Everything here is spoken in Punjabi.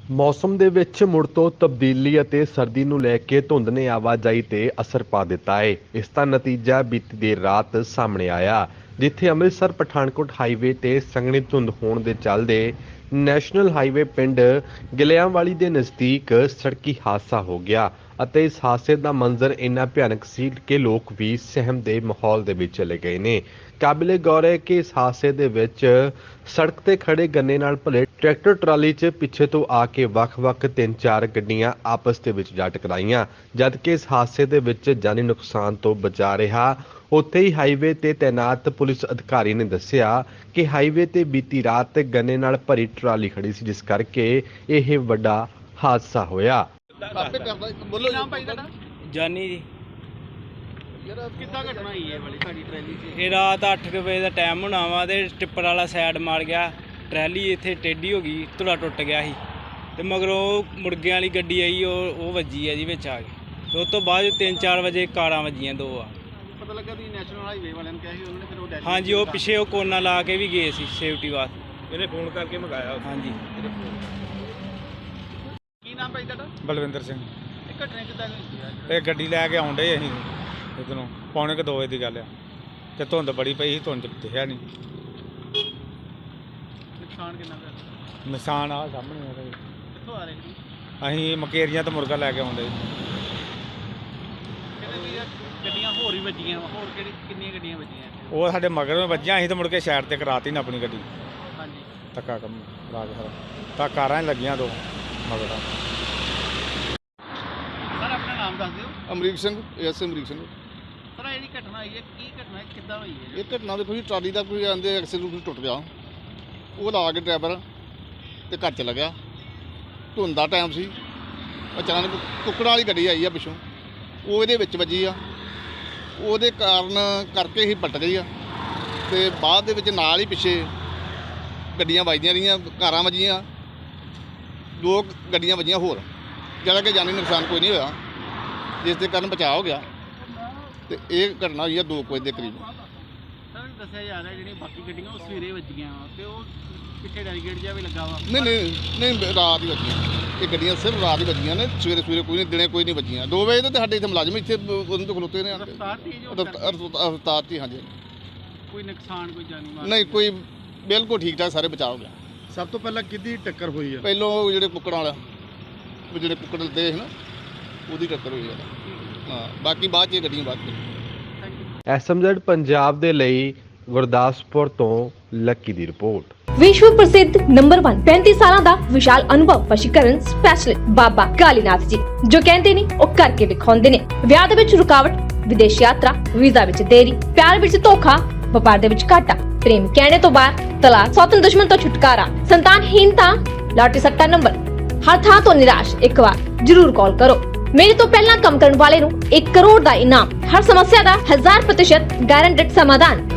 ਮੌਸਮ ਦੇ ਵਿੱਚ ਮੁੜ ਤੋਂ ਤਬਦੀਲੀ ਅਤੇ ਸਰਦੀ ਨੂੰ ਲੈ ਕੇ ਧੁੰਦ ਨੇ ਆਵਾਜਾਈ ਤੇ ਅਸਰ ਪਾ ਦਿੱਤਾ ਹੈ। ਇਸ ਦਾ ਨਤੀਜਾ ਬੀਤੀ ਦੇਰ ਰਾਤ ਸਾਹਮਣੇ ਆਇਆ, ਜਿੱਥੇ ਅੰਮ੍ਰਿਤਸਰ ਪਠਾਨਕੋਟ ਹਾਈਵੇ ਤੇ ਸੰਘਣੀ ਧੁੰਦ ਹੋਣ ਦੇ ਚੱਲਦੇ ਨੈਸ਼ਨਲ ਹਾਈਵੇ ਪਿੰਡ ਗਿਲਿਆਂਵਾਲੀ ਦੇ ਨਜ਼ਦੀਕ ਸੜਕੀ ਹਾਦਸਾ ਹੋ ਗਿਆ ਅਤੇ ਇਸ ਹਾਦਸੇ ਦਾ ਮੰਜ਼ਰ ਇੰਨਾ ਭਿਆਨਕ ਸੀ ਕਿ ਲੋਕ ਵੀ ਸਹਿਮ ਦੇ ਮਾਹੌਲ ਦੇ ਵਿੱਚ ਚਲੇ ਗਏ ਨੇ। ਕਾਬਿਲੇ ਗੌਰ ਹੈ ਕਿ ਇਸ ਹਾਦਸੇ ਦੇ ਵਿੱਚ ਸੜਕ ਤੇ ਖੜੇ ਗੰਨੇ ਨਾਲ ਭਰੇ ਟਰੈਕਟਰ ਟਰਾਲੀ 'ਚ ਪਿੱਛੇ ਤੋਂ ਆ ਕੇ ਵੱਖ-ਵੱਖ 3-4 ਗੱਡੀਆਂ ਆਪਸ ਦੇ ਵਿੱਚ ਜਾ ਟਕਰਾਈਆਂ। ਜਦਕਿ ਇਸ ਹਾਦਸੇ ਦੇ ਵਿੱਚ ਜਾਨੀ ਨੁਕਸਾਨ ਤੋਂ ਬਚਾ ਰਿਹਾ। ਉੱਥੇ ਹੀ ਹਾਈਵੇ ਤੇ ਤੈਨਾਤ ਪੁਲਿਸ ਅਧਿਕਾਰੀ ਨੇ ਦੱਸਿਆ ਕਿ ਹਾਈਵੇ ਤੇ ਬੀਤੀ ਰਾਤ ਗੰਨੇ ਨਾਲ ਭਰੀ ਟਰਾਲੀ ਖੜੀ ਸੀ, ਜਿਸ ਕਰਕੇ ਇਹ ਵੱਡਾ ਹਾਦਸਾ ਹੋਇਆ। ਆਪੇ ਕਰਦਾ ਬੋਲੋ ਨਾਮ ਭਾਈ ਤੁਹਾਡਾ ਜਾਨੀ ਜੀ। ਯਾਰ ਕਿੱਦਾਂ ਘਟਨਾ ਹੋਈ ਹੈ ਵਾਲੀ ਸਾਡੀ ਟਰੈਲੀ 'ਚ? ਇਹ ਰਾਤ 8 ਵਜੇ ਦਾ ਟਾਈਮ ਹੋਣਾ ਵਾ ਤੇ ਟਿੱਪਰ ਵਾਲਾ ਸਾਈਡ ਮਾਰ ਗਿਆ, ਟਰੈਲੀ ਇੱਥੇ ਟੇਢੀ ਹੋ ਗਈ, ਧੁਰਾ ਟੁੱਟ ਗਿਆ ਸੀ ਤੇ ਮਗਰੋਂ ਮੁਰਗਿਆਂ ਵਾਲੀ ਗੱਡੀ ਆਈ, ਉਹ ਵੱਜੀ ਹੈ ਜੀ ਵਿੱਚ ਆ ਕੇ। ਤੇ ਉਸ ਤੋਂ ਬਾਅਦ 3-4 ਵਜੇ ਕਾਰਾਂ ਵੱਜੀਆਂ ਦੋ ਆ। ਪਤਾ ਲੱਗਾ ਵੀ ਨੈਸ਼ਨਲ ਹਾਈਵੇ ਵਾਲਿਆਂ ਨੇ ਕਿਹਾ ਸੀ, ਉਹਨਾਂ ਨੇ ਫਿਰ ਉਹ ਡੈਲੀ ਹਾਂਜੀ, ਉਹ ਪਿੱਛੇ ਉਹ ਕੋਨਾ ਲਾ ਕੇ ਵੀ ਗਏ ਸੀ ਸੇਫਟੀ ਵਾਸਤੇ। ਇਹਨੇ ਫੋਨ ਕਰਕੇ ਮੰਗਾਇਆ। ਹਾਂਜੀ। ਕੀ ਨਾਮ ਭਾਈ ਤੁਹਾਡਾ? ਬਲਵਿੰਦਰ ਸਿੰਘ। ਇਹ ਘਟਨਾ ਕਿੱਦਾਂ ਹੋਈ ਹੈ? ਇਹ ਗੱਡੀ ਲੈ ਕੇ ਆਉਂਦੇ ਅਸੀਂ ਇੱਧਰੋਂ ਪੌਣੇ ਕੁ 2 ਵਜੇ ਦੀ ਗੱਲ ਆ ਤੇ ਧੁੰਦ ਬੜੀ ਪਈ ਸੀ, ਧੁੰਦ 'ਚ ਦਿਖਿਆ ਨਹੀਂ। ਨੁਕਸਾਨ ਕਿੰਨਾ ਦਾ? ਨਿਸ਼ਾਨ ਆ ਸਾਹਮਣੇ ਆ ਇਹਦੇ। ਕਿੱਥੋਂ ਆ ਰਹੇ ਸੀ? ਅਸੀਂ ਮਕੇਰੀਆਂ ਤੋਂ ਮੁਰਗਾ ਲੈ ਕੇ ਆਉਂਦੇ ਕਿਤੇ ਵੀ ਗੱਡੀਆਂ ਹੋਰ ਹੀ ਵੱਜੀਆਂ ਵਾ? ਹੋਰ ਕਿੰਨੀਆਂ ਗੱਡੀਆਂ ਵੱਜੀਆਂ? ਉਹ ਸਾਡੇ ਮਗਰ ਵੱਜੀਆਂ, ਅਸੀਂ ਤਾਂ ਮੁੜ ਕੇ ਸਾਈਡ ਤੇ ਕਰਾਤੀ ਨਾ ਆਪਣੀ ਗੱਡੀ। ਹਾਂਜੀ। ਧੱਕਾ ਕੰਮ ਲਾ ਕੇ ਸਾਰਾ ਤਾਂ ਕਾਰਾਂ ਹੀ ਲੱਗੀਆਂ ਦੋ ਮਗਰ। ਸਰ ਆਪਣਾ ਨਾਮ ਦੱਸ ਦਿਓ। ਅਮਰੀਕ ਸਿੰਘ, ਐਸ ਅਮਰੀਕ ਸਿੰਘ। ਸਰ ਇਹ ਜਿਹੜੀ ਘਟਨਾ ਹੋਈ ਹੈ, ਕੀ ਘਟਨਾ ਹੈ, ਕਿੱਦਾਂ ਹੋਈ ਹੈ? ਇਹ ਘਟਨਾ ਦੇਖੋ ਜੀ, ਟਰਾਲੀ ਦਾ ਕੋਈ ਆਂਦੇ ਐਕਸੀਡੈਂਟ ਟੁੱਟ ਗਿਆ, ਉਹ ਲਾ ਕੇ ਡਰਾਈਵਰ ਤੇ ਘਰ ਚਲਾ ਗਿਆ। ਧੁੰਦ ਦਾ ਟਾਈਮ ਸੀ, ਅਚਾਨਕ ਕੁੱਕੜਾਂ ਵਾਲੀ ਗੱਡੀ ਆਈ ਆ ਪਿੱਛੋਂ, ਉਹ ਇਹਦੇ ਵਿੱਚ ਵੱਜੀ ਆ। ਉਹਦੇ ਕਾਰਨ ਕਰਕੇ ਹੀ ਪਲਟ ਗਈ ਆ ਤੇ ਬਾਅਦ ਦੇ ਵਿੱਚ ਨਾਲ ਹੀ ਪਿੱਛੇ ਗੱਡੀਆਂ ਵੱਜਦੀਆਂ ਰਹੀਆਂ, ਕਾਰਾਂ ਵੱਜੀਆਂ, 2 ਗੱਡੀਆਂ ਵੱਜੀਆਂ ਹੋਰ, ਜਿਹੜਾ ਕਿ ਜਾਨੀ ਨੁਕਸਾਨ ਕੋਈ ਨਹੀਂ ਹੋਇਆ, ਜਿਸ ਦੇ ਕਾਰਨ ਬਚਾਅ ਹੋ ਗਿਆ। ਤੇ ਇਹ ਘਟਨਾ ਹੋਈ ਆ 2 ਵਜੇ ਦੇ ਕਰੀਬ। ਸਰ ਦੱਸਿਆ ਜਾ ਰਿਹਾ ਜਿਹੜੀਆਂ ਬਾਕੀ ਗੱਡੀਆਂ ਉਹ ਸਵੇਰੇ ਵੱਜੀਆਂ ਤੇ ਉਹ ਪਿੱਛੇ ਡੈਲੀਗੇਟ ਜਿਹਾ ਵੀ ਲੱਗਾ ਵਾ। ਨਹੀਂ ਰਾਤ ਹੀ ਵੱਜੀਆਂ ਇਹ ਗੱਡੀਆਂ, ਸਿਰਫ ਰਾਤ ਹੀ ਵੱਜੀਆਂ ਨੇ, ਸਵੇਰੇ ਕੋਈ ਨਹੀਂ, ਦਿਨੇ ਕੋਈ ਨਹੀਂ ਵੱਜੀਆਂ। 2 ਵਜੇ ਤੇ ਸਾਡੇ ਇੱਥੇ ਮੁਲਾਜ਼ਮ ਇੱਥੇ ਉਹਨਾਂ ਤੋਂ ਖਲੋਤੇ ਨੇ। ਰਫਤਾਰ ਤੇਜ਼ ਹੋਣ ਰਫਤਾਰ ਤੇ ਹਾਂਜੀ। ਕੋਈ ਨੁਕਸਾਨ ਕੋਈ ਜਾਨੀ ਮਾਲ ਨਹੀਂ ਕੋਈ, ਬਿਲਕੁਲ ਠੀਕ ਠਾਕ, ਸਾਰੇ ਬਚਾਅ ਹੋ ਗਿਆ। ਸਭ ਤੋਂ ਪਹਿਲਾਂ ਕਿਹਦੀ ਟੱਕਰ ਹੋਈ ਆ? ਪਹਿਲੋਂ ਉਹ ਜਿਹੜੇ ਕੁੱਕੜਾਂ ਵਾਲਾ, ਉਹ ਜਿਹੜੇ ਕੁੱਕੜ ਲੱਦੇ ਸੀ ਨਾ, ਉਹਦੀ ਟੱਕਰ ਹੋਈ ਆ। ਹਾਂ, ਬਾਕੀ ਬਾਅਦ 'ਚ ਇਹ ਗੱਡੀਆਂ ਬਾਅਦ 'ਚ। ਐਸਐਮਜ਼ੈਡ ਪੰਜਾਬ ਦੇ ਲਈ ਗੁਰਦਾਸਪੁਰ ਤੋਂ ਲੱਕੀ ਦੀ ਰਿਪੋਰਟ। विश्व प्रसिद्ध नंबर 1 35 साल ਦਾ ਵਿਸ਼ਾਲ ਅਨੁਭਵ ਵਸ਼ੀਕਰਨ ਸਪੈਸ਼ਲਿਸਟ ਬਾਬਾ ਕਾਲੀਨਾਥ ਜੀ, ਜੋ ਕਹਿੰਦੇ ਨੇ ਉਹ ਕਰਕੇ ਦਿਖਾਉਂਦੇ ਨੇ। ਵਿਆਹ ਦੇ ਵਿੱਚ ਰੁਕਾਵਟ, ਵਿਦੇਸ਼ ਯਾਤਰਾ, ਵੀਜ਼ਾ ਵਿੱਚ ਦੇਰੀ, ਪਿਆਰ ਵਿੱਚ ਧੋਖਾ, ਵਪਾਰ ਦੇ ਵਿੱਚ ਘਾਟਾ, ਪ੍ਰੇਮ ਕਹਿਣੇ ਤੋਂ ਬਾਹਰ, ਤਲਾਕ, ਸੌਤਨ ਦੁਸ਼ਮਣ ਤੋਂ ਛੁਟਕਾਰਾ, ਸੰਤਾਨਹੀਨਤਾ, ਲਾਟਰੀ ਸੱਟਾ ਨੰਬਰ, ਹਰ ਥਾਂ ਤੋਂ ਨਿਰਾਸ਼। ਇੱਕ ਵਾਰ ਜ਼ਰੂਰ ਕਾਲ ਕਰੋ। ਮੇਰੇ ਤੋਂ ਪਹਿਲਾਂ ਕੰਮ ਕਰਨ ਵਾਲੇ ਨੂੰ 1 ਕਰੋੜ ਦਾ ਇਨਾਮ, ਹਰ ਸਮੱਸਿਆ ਦਾ 1000% ਗਾਰੰਟਡ ਸਮਾਧਾਨ।